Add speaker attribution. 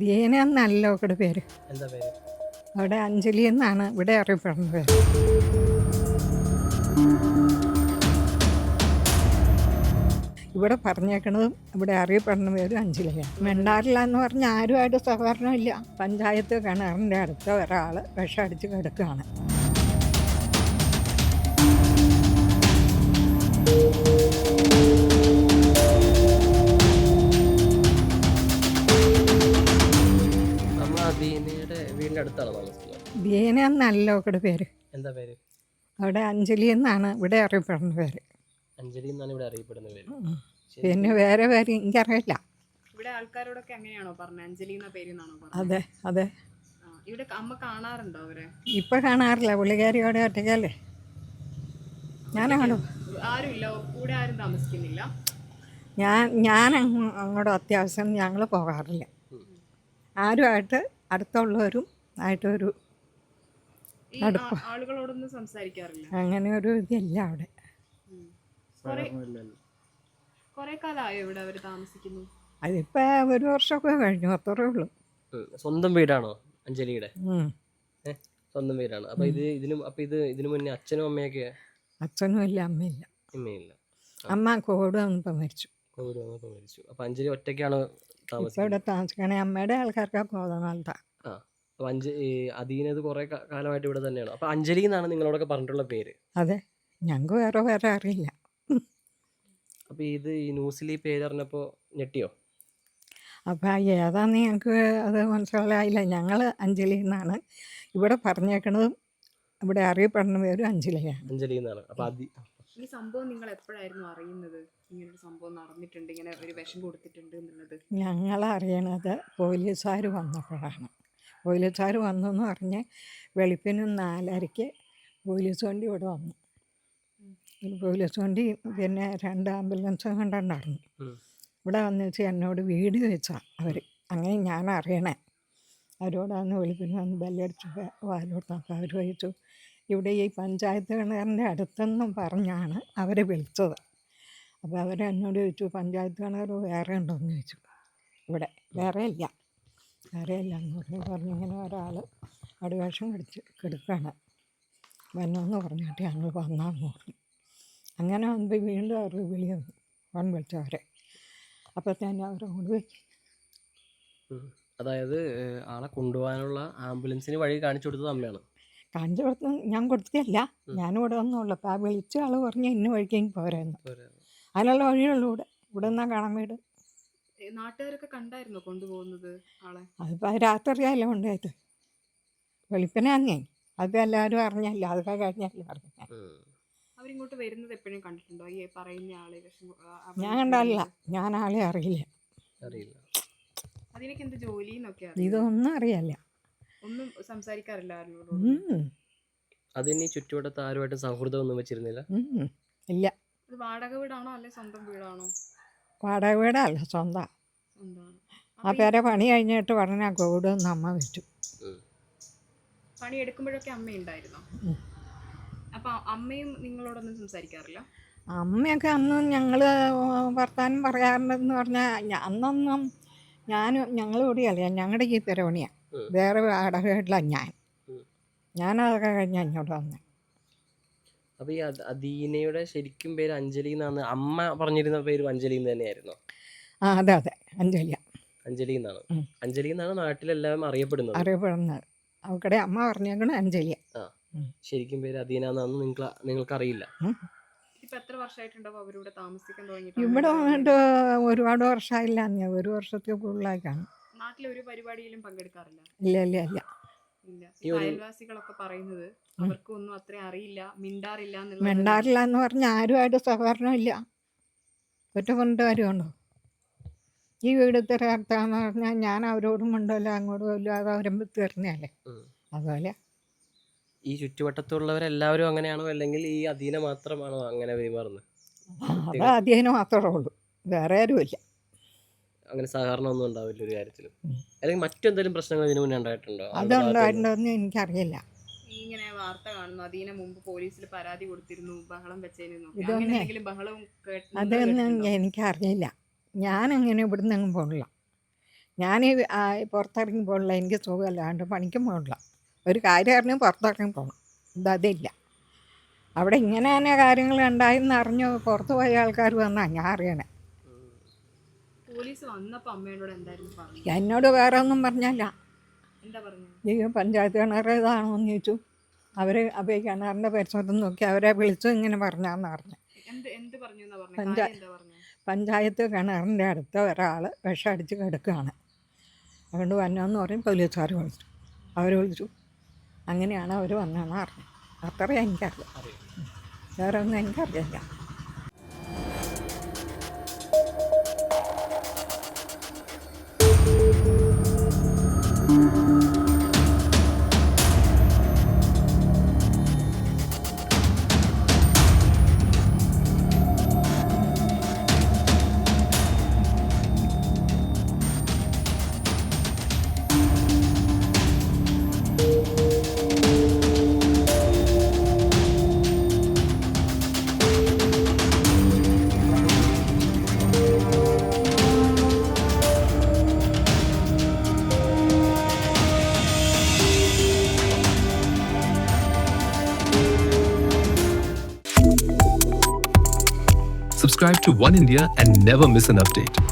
Speaker 1: ദീന എന്നല്ലോ ഇവിടെ പേര്.
Speaker 2: എന്താ പേര്?
Speaker 1: അവിടെ അഞ്ജലി എന്നാണ് ഇവിടെ അറിയപ്പെടുന്ന പേര്. ഇവിടെ പറഞ്ഞേക്കണതും ഇവിടെ അറിയപ്പെടുന്ന പേരും അഞ്ജലിയാണ്. മെണ്ടാറില്ല എന്ന് പറഞ്ഞാൽ ആരുമായിട്ട് സഹകരണമില്ല. പഞ്ചായത്ത് കിണറിൻ്റെ അടുത്ത ഒരാൾ വിഷമടിച്ച് കിടക്കുകയാണ്.
Speaker 2: വീടിന്റെ അടുത്താണ് താമസിക്കുന്നത്.
Speaker 1: ദീന എന്നല്ലോ ഇവിടെ പേര്.
Speaker 2: എന്താ പേര്?
Speaker 1: അവിടെ അഞ്ജലി എന്നാണ് ഇവിടെ അറിയപ്പെടുന്ന പേര്.
Speaker 2: അഞ്ജലി എന്നാണ് ഇവിടെ അറിയപ്പെടുന്ന പേര്.
Speaker 1: പിന്നെ വേറെ പേര് എനിക്കറിയില്ല.
Speaker 3: ഇവിടെ ആൾക്കാരോടൊക്കെ അങ്ങനെയാണോ പറഞ്ഞത്? അഞ്ജലി എന്ന പേരെന്നാണോ പറഞ്ഞത്?
Speaker 1: അതെ അതെ.
Speaker 3: ഇവിടെ അമ്മ കാണാറുണ്ടോ അവരെ?
Speaker 1: ഇപ്പം കാണാറില്ല, പുള്ളിക്കാരിയോടെ ഒറ്റയ്ക്കല്ലേ. ഞാനാണോ?
Speaker 3: ആരുമില്ല, കൂടെ ആരും താമസിക്കുന്നില്ല.
Speaker 1: ഞാൻ അങ്ങോട്ട് അത്യാവശ്യം ഞങ്ങൾ പോകാറില്ല. ആരുമായിട്ട് അടുത്തുള്ളവരും ആയിട്ടൊരു
Speaker 3: ആളുകളോടൊന്നും സംസാരിക്കാറില്ല.
Speaker 1: അങ്ങനെ ഒരു ഇതില്ല അവിടെ.
Speaker 3: കുറെ കാലമായോ ഇവിടെ അവർ താമസിക്കുന്നു?
Speaker 1: അതിപ്പോ ഒരു വർഷമൊക്കെ കഴിഞ്ഞു, അത്രേ ഉള്ളൂ.
Speaker 2: സ്വന്തം വീടാണോ അഞ്ജലിയുടെ? സ്വന്തം വീടാണ്. അപ്പൊ ഇതിനു മുന്നേ അച്ഛനും അമ്മയൊക്കെ?
Speaker 1: അച്ഛനും ഇല്ല, അമ്മയില്ല.
Speaker 2: അമ്മയില്ല.
Speaker 1: അമ്മ കോവിഡ് വന്നപ്പോൾ മരിച്ചു.
Speaker 2: അപ്പൊ അഞ്ജലി ഒറ്റയ്ക്കാണ്
Speaker 1: ഇവിടെ താമസിക്കണേ. അമ്മയുടെ ആൾക്കാർക്കൊക്കെ കോതനാളത്താ.
Speaker 2: അദീനത് കുറെ കാലമായിട്ട് ഇവിടെ തന്നെയാണ്. അപ്പൊ അഞ്ജലി എന്നാണ് നിങ്ങളോടൊക്കെ പറഞ്ഞിട്ടുള്ള പേര്?
Speaker 1: അതെ, ഞങ്ങൾക്ക് വേറെ അറിയില്ല.
Speaker 2: അപ്പൊ ഇത് ഈ ന്യൂസിൽ ഈ പേര് അറിഞ്ഞപ്പോ ഞെട്ടിയോ?
Speaker 1: അപ്പം ഏതാന്ന് ഞങ്ങൾക്ക് അത് മനസ്സിലായില്ല. ഞങ്ങൾ അഞ്ജലി എന്നാണ് ഇവിടെ പറഞ്ഞേക്കണതും ഇവിടെ അറിയപ്പെടുന്ന പേരും അഞ്ജലിയാണ്.
Speaker 2: അഞ്ജലി എന്നാണ്. അപ്പൊ
Speaker 3: ഈ സംഭവം നിങ്ങൾ എപ്പോഴായിരുന്നു അറിയുന്നത്? ഇങ്ങനൊരു സംഭവം നടന്നിട്ടുണ്ട്, ഇങ്ങനെ ഒരു വിഷം കൊടുത്തിട്ടുണ്ട് എന്നുള്ളത്?
Speaker 1: ഞങ്ങൾ അറിയണത് പോലീസുകാർ വന്നപ്പോഴാണ്. പോലീസുകാർ വന്നെന്ന് പറഞ്ഞ് വെളുപ്പിന് 4:30 പോലീസ് വണ്ടി ഇവിടെ വന്നു. പോലീസ് വണ്ടി പിന്നെ 2 ആംബുലൻസ് കണ്ടുണ്ടായിരുന്നു. ഇവിടെ വന്നു വെച്ചാൽ എന്നോട് വീഡിയോ വെച്ചാൽ അവർ. അങ്ങനെ ഞാൻ അറിയണേ. അവരോടാണ് വെളുപ്പിന് വന്ന് ബെല്ലടിച്ച് വാലോട്ടപ്പോൾ അവർ ചോദിച്ചു ഇവിടെ ഈ പഞ്ചായത്ത് കിണറിൻ്റെ അടുത്തെന്നും പറഞ്ഞാണ് അവരെ വിളിച്ചത്. അപ്പോൾ അവരെന്നോട് ചോദിച്ചു പഞ്ചായത്ത് കിണർ വേറെ ഉണ്ടോയെന്ന് ചോദിച്ചു. ഇവിടെ വേറെ ഇല്ല എന്ന് പറഞ്ഞിങ്ങനെ ഒരാൾ അടിവേഷം കിടക്കുകയാണ് വന്നോന്ന് പറഞ്ഞിട്ട് ഞങ്ങൾ വന്നാന്ന് പറഞ്ഞു. അങ്ങനെ വന്നപ്പോൾ വീണ്ടും അവർ വിളി വന്നു, ഫോൺ വിളിച്ചവരെ. അപ്പോൾ തന്നെ അവരങ്ങോട്ട് പോയി.
Speaker 2: അതായത് ആളെ കൊണ്ടുപോകാനുള്ള ആംബുലൻസിന് വഴി കാണിച്ചു കൊടുത്തത് അമ്മയാണ്?
Speaker 1: കാണിച്ചു കൊടുത്ത് ഞാൻ കൊടുത്തില്ല, ഞാനിവിടെ വന്നുള്ളൂ. അപ്പോൾ ആ വിളിച്ച ആൾ പറഞ്ഞ് ഇന്ന വഴിക്കേക്ക് പോരായിരുന്നു. അതിനുള്ള വഴിയുള്ളൂ ഇവിടെ നിന്നാ കാണാൻ വീട്.
Speaker 3: നാട്ടുകാരൊക്കെ കണ്ടായിരുന്നോ കൊണ്ടുപോകുന്നത് ആളെ?
Speaker 1: അതിപ്പോൾ രാത്രിയല്ലേ കൊണ്ടുപോയത്, വെളുപ്പിനെ അന്നേ. അത് എല്ലാവരും അറിഞ്ഞല്ല, അതൊക്കെ കഴിഞ്ഞല്ലേ അറിഞ്ഞ.
Speaker 3: അവരിങ്ങോട്ട് വരുന്നത് എപ്പോഴും കണ്ടിട്ടുണ്ടോ ഈ പറയുന്ന ആളെ?
Speaker 1: ഞാൻ കണ്ടല്ല, ഞാൻ ആളെ അറിയില്ല.
Speaker 3: അതിനൊക്കെ എന്ത് ജോലി എന്നൊക്കെ
Speaker 1: ഇതൊന്നും അറിയില്ല,
Speaker 3: ഒന്നും സംസാരിക്കാറില്ല ആരോടും.
Speaker 2: അതിന് ചുറ്റുവട്ടത്ത് ആരുമായിട്ട് സൗഹൃദം ഒന്നും വെച്ചിരുന്നില്ല?
Speaker 1: ഇല്ല.
Speaker 3: ഇത് വാടക വീടാണോ അല്ലെ സ്വന്തം വീടാണോ?
Speaker 1: വാടക വീടല്ല, സ്വന്തമാണ്. ആ പേരെ പണി കഴിഞ്ഞിട്ട് പറഞ്ഞാൽ കോവിഡ് ഒന്ന് അമ്മ വെച്ചു.
Speaker 3: പണി എടുക്കുമ്പോഴൊക്കെ അമ്മ ഉണ്ടായിരുന്നോ? അപ്പൊ അമ്മയും നിങ്ങളോടൊന്നും സംസാരിക്കാറില്ല?
Speaker 1: അമ്മയൊക്കെ അന്ന് ഞങ്ങൾ വർത്താനം പറയാറുണ്ടെന്ന് പറഞ്ഞാൽ അന്നൊന്നും ഞങ്ങൾ കൂടിയല്ല, ഞങ്ങളുടെ ഈ പെരവണിയാണ്. വേറെ വാടക വീട്ടില ഞാനതൊക്കെ കഴിഞ്ഞ് അങ്ങോട്ട് വന്നേ.
Speaker 2: അപ്പൊ ഈ അദീനയുടെ ശരിക്കും പേര് അഞ്ജലി എന്നാണ് അമ്മ പറഞ്ഞിരുന്ന പേര്? അഞ്ജലി തന്നെയായിരുന്നോ?
Speaker 1: ആ അതെ അഞ്ജലി
Speaker 2: എന്നാണ്. അഞ്ജലി എന്നാണ് നാട്ടിലെല്ലാം അറിയപ്പെടുന്നത്.
Speaker 1: അവക്കടെ അമ്മ പറഞ്ഞേക്കണ അഞ്ജലി.
Speaker 2: ശരിക്കും പേര് അദീന എന്നാന്ന് നിങ്ങൾക്ക് അറിയില്ല?
Speaker 1: ഇവിടെ വന്നിട്ട് ഒരുപാട് വർഷമായില്ല, ഒരു വർഷത്തിൽ കൂടുതലായി കാണും.
Speaker 3: നാട്ടിലൊരു പരിപാടിയിലും പങ്കെടുക്കാറില്ല?
Speaker 1: ഇല്ല.
Speaker 3: അയൽവാസികളൊക്കെ പറയുന്നത് അവർക്കൊന്നും അത്ര അറിയില്ല, മിണ്ടാറില്ല
Speaker 1: എന്ന് പറഞ്ഞാൽ ആരുമായിട്ട് സഹകരണമില്ല. ഒറ്റ പറഞ്ഞിട്ട് കാര്യമുണ്ടോ? ഈ വീട് തിരക്കാന്ന് പറഞ്ഞാൽ ഞാൻ അവരോടും ഉണ്ടല്ലോ അങ്ങോട്ടും ഇല്ല, അത് അവരും തീർന്നല്ലേ. അതുപോലെ
Speaker 2: ഈ ചുറ്റുവട്ടത്തുള്ളവരെല്ലാവരും അങ്ങനെയാണോ, അല്ലെങ്കിൽ ഈ അദീന മാത്രമാണോ അങ്ങനെ പെരുമാറുന്നത്?
Speaker 1: അത് അദീന മാത്രമേ ഉള്ളൂ, വേറെ ആരുമില്ല.
Speaker 2: അങ്ങനെ സഹകരണം ഒന്നും ഉണ്ടാവില്ല ഒരു കാര്യത്തിലും? അല്ലെങ്കിൽ മറ്റെന്തെങ്കിലും പ്രശ്നങ്ങൾ ഇതിനു മുന്നേ ഉണ്ടായിട്ടുണ്ടോ?
Speaker 1: അതുണ്ടായിട്ടുണ്ടോന്ന് എനിക്കറിയില്ല.
Speaker 3: ഇങ്ങനെ വാർത്ത കാണുന്നു അദീന മുമ്പ് പോലീസിൽ പരാതി കൊടുത്തിരുന്നു, ബഹളം വെച്ചതിന്.
Speaker 1: അതൊന്നും എനിക്കറിയില്ല. ഞാനങ്ങനെ ഇവിടുന്ന് അങ്ങ് പോകില്ല. ഞാൻ പുറത്തിറങ്ങി എനിക്ക് സുഖമല്ലാണ്ട് പണിക്കും പോകണില്ല. ഒരു കാര്യം അറിഞ്ഞ് പുറത്തിറങ്ങി പോകണം. ഇതതില്ല. അവിടെ ഇങ്ങനെ തന്നെ കാര്യങ്ങൾ ഉണ്ടായെന്ന് അറിഞ്ഞ് പുറത്ത് പോയ ആൾക്കാർ വന്നാൽ ഞാൻ അറിയണേ.
Speaker 3: പോലീസ് വന്നപ്പോൾ അമ്മയോട് എന്തായിരുന്നു പറഞ്ഞത്?
Speaker 1: എന്നോട് വേറെ ഒന്നും പറഞ്ഞല്ല.
Speaker 3: എന്താ പറഞ്ഞത്?
Speaker 1: ഈ പഞ്ചായത്ത് കിണർ ഇതാണോ എന്ന് ചോദിച്ചു. അവർ അപ്പോൾ ഈ കിണറിൻ്റെ പരിസരത്ത് നോക്കി അവരെ വിളിച്ചു ഇങ്ങനെ പറഞ്ഞാന്ന് പറഞ്ഞു.
Speaker 3: എന്ത് പറഞ്ഞു എന്നാ പറഞ്ഞത്? എന്താ പറഞ്ഞത്?
Speaker 1: പഞ്ചായത്ത് കിണറിൻ്റെ അടുത്ത് ഒരാൾ വിഷമടിച്ച് കിടക്കുകയാണ്, അതുകൊണ്ട് വന്നതെന്ന് പറയും. പോലീസുകാർ വിളിച്ചു, അവർ വിളിച്ചു. അങ്ങനെയാണ് അവർ വന്നതെന്ന് പറഞ്ഞു. അത്ര എനിക്കറിയാം, വേറെ ഒന്നും എനിക്കറിയില്ല.
Speaker 4: Subscribe to One India and never miss an update.